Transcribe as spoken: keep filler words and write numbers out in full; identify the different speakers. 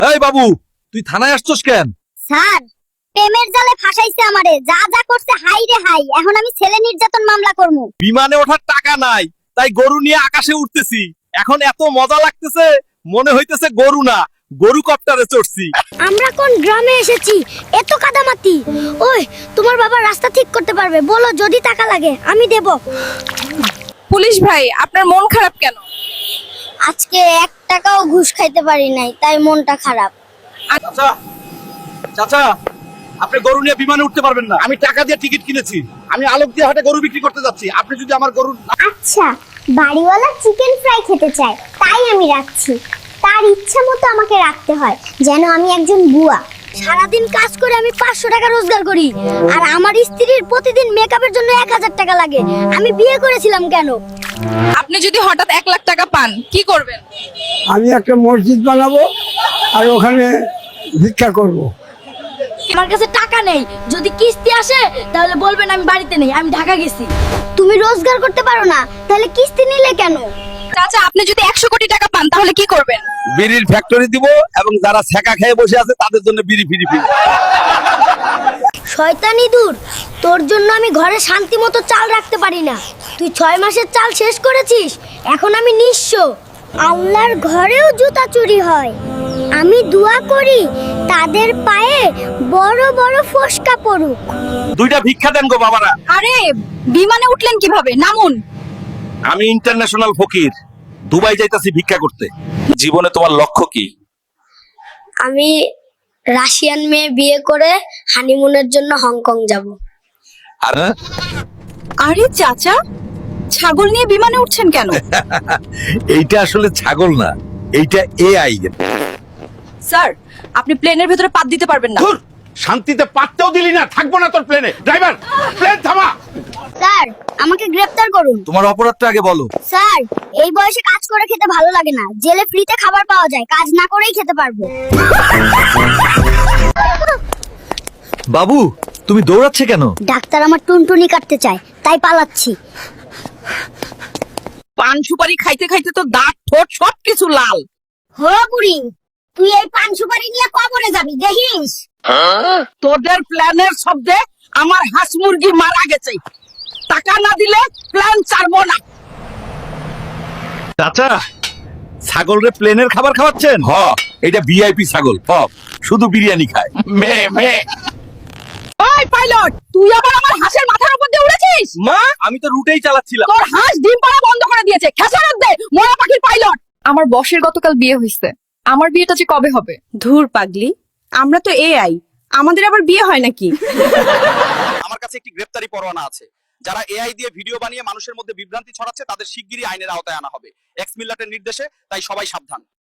Speaker 1: এই বাবু, তুই থানায় আসছস কেন?
Speaker 2: স্যার, প্রেমের জালে ফাঁসাইছে আমারে, যা যা করছে হাই রে হাই। এখন আমি ছেলে নির্যাতন মামলা করবো।
Speaker 1: বিমানে ওঠার টাকা নাই, তাই গরু নিয়ে আকাশে উঠতেছি। এখন এত মজা লাগতেছে, মনে হইতেছে গরু না, গরু কপ্টারে চড়ছি।
Speaker 2: আমরা কোন গ্রামে এসেছি? এত কাদামাটি। ওই, তোমার বাবা রাস্তা ঠিক করতে পারবে, বলো যদি টাকা লাগে আমি দেব।
Speaker 3: পুলিশ ভাই, আপনার মন খারাপ কেন?
Speaker 2: আজকে এক টাকাও ঘুষ খাইতে পারি নাই, তাই মনটা খারাপ।
Speaker 1: চাচা, চাচা, আপনি গরু নিয়ে বিমানে উঠতে পারবেন না। আমি টাকা দিয়ে টিকিট কিনেছি। আমি আলোক দিয়ে হাটে গরু বিক্রি করতে যাচ্ছি। আপনি যদি আমার গরু...
Speaker 2: আচ্ছা, বাড়িওয়ালা চিকেন ফ্রাই খেতে চায়, তাই আমি রাখছি। তার ইচ্ছা মতো আমাকে রাখতে হয়, যেন আমি একজন বুয়া। সারাদিন কাজ করে আমি পাঁচশো টাকা রোজগার করি, আর আমার স্ত্রীর প্রতিদিন মেকআপের জন্য এক হাজার টাকা লাগে। আমি বিয়ে করেছিলাম কেন?
Speaker 3: আপনি যদি হঠাৎ এক লাখ টাকা পান, কি করবেন?
Speaker 4: আমি একটা মসজিদ বানাবো আর ওখানে ভিক্ষা করব।
Speaker 2: আমার কাছে টাকা নেই, যদি কিস্তি আসে তাহলে বলবেন আমি বাড়িতে নেই, আমি ঢাকা গেছি। তুমি রোজগার করতে পারো না, তাহলে কিস্তি নিলে কেন?
Speaker 3: চাচা, আপনি যদি একশো কোটি টাকা পান তাহলে কি করবেন?
Speaker 1: বিড়ির ফ্যাক্টরি দিব এবং যারা ছ্যাঁকা খেয়ে বসে আছে তাদের জন্য বিড়ি ফিরি ফিরি।
Speaker 2: শয়তানি দূর, তোর জন্য আমি ঘরে শান্তি মতো চাল রাখতে পারি না। তুই ছয় মাসের চাল শেষ করেছিস, এখন আমি নিঃস্ব। আল্লাহর ঘরেও জুতা চুরি হয়। আমি দোয়া করি তাদের পায়ে বড় বড় ফোসকা পড়ুক।
Speaker 1: দুইটা ভিক্ষা দেন গো বাবারা।
Speaker 3: আরে, বিমানে উঠলেন কিভাবে? নামুন।
Speaker 1: আমি ইন্টারন্যাশনাল ফকির, দুবাই যাইতাছি ভিক্ষা করতে। জীবনে তোমার লক্ষ্য কি?
Speaker 2: আমি রাশিয়ান মেয়ে বিয়ে করে হানিমুনের জন্য হংকং যাব।
Speaker 1: আর
Speaker 3: আরে চাচা, ছাগল নিয়ে বিমানে উঠছেন কেন?
Speaker 1: এইটা আসলে ছাগল না, এইটা এআই।
Speaker 3: স্যার, আপনি প্লেনের ভেতরে পাত দিতে পারবেন না।
Speaker 1: ধুর, শান্তিতে পাততেও দিলি না। থাকবো না তোর প্লেনে। ড্রাইভার, প্লেন থামা।
Speaker 2: স্যার, আমাকে গ্রেফতার করুন।
Speaker 1: তোমার অপরাধটা আগে বলো।
Speaker 2: স্যার, এই বয়সে কাজ করে খেতে ভালো লাগে না। জেলে ফ্রিতে খাবার পাওয়া যায়, কাজ না করেই খেতে পারবো।
Speaker 1: বাবু, তুমি দৌড়াচ্ছে কেন?
Speaker 2: ডাক্তার আমার টুনটুনি কাটতে চায়, তাই পালাচ্ছি।
Speaker 3: পান সুপারি খাইতে খাইতে তো দাঁত ঠোঁট সবকিছু লাল।
Speaker 2: হো বুড়ি, তুই এই পান সুপারি নিয়ে কবরে যাবি, দেখিস।
Speaker 3: তোদের প্ল্যানের শব্দে আমার হাঁস মুরগি মারা গেছে। টাকা না দিলে প্ল্যান ছাড়বো না।
Speaker 1: চাচা, ছাগল রে প্লেনের খাবার খাওয়াচ্ছেন? হ, এটা ভিআইপি ছাগল। হ, শুধু বিরিয়ানি খায়। মে মে।
Speaker 3: ওই পাইলট, তুই আবার আমার হাঁসের মাথার উপর দিয়ে উড়েছিস?
Speaker 1: মা, আমি তো রুটেই চালাচ্ছিলাম।
Speaker 3: তোর হাঁস ডিম পাড়া বন্ধ করে দিয়েছে। খেসারত দে, মরা পাখির পাইলট। আমার বসের গতকাল বিয়ে হয়েছে, আমার বিয়েটা যে কবে হবে?
Speaker 5: ধুর পাগলি, আমরা তো এআই, আমাদের আবার বিয়ে হয় নাকি?
Speaker 1: আমার কাছে একটি গ্রেফতারি পরোয়ানা আছে। যারা এআই দিয়ে ভিডিও বানিয়ে মানুষের মধ্যে বিভ্রান্তি ছড়াচ্ছে তাদের শিগগিরই আইনের আওতায় আনা হবে। এক্স মিল্লাটের নির্দেশে, তাই সবাই সাবধান।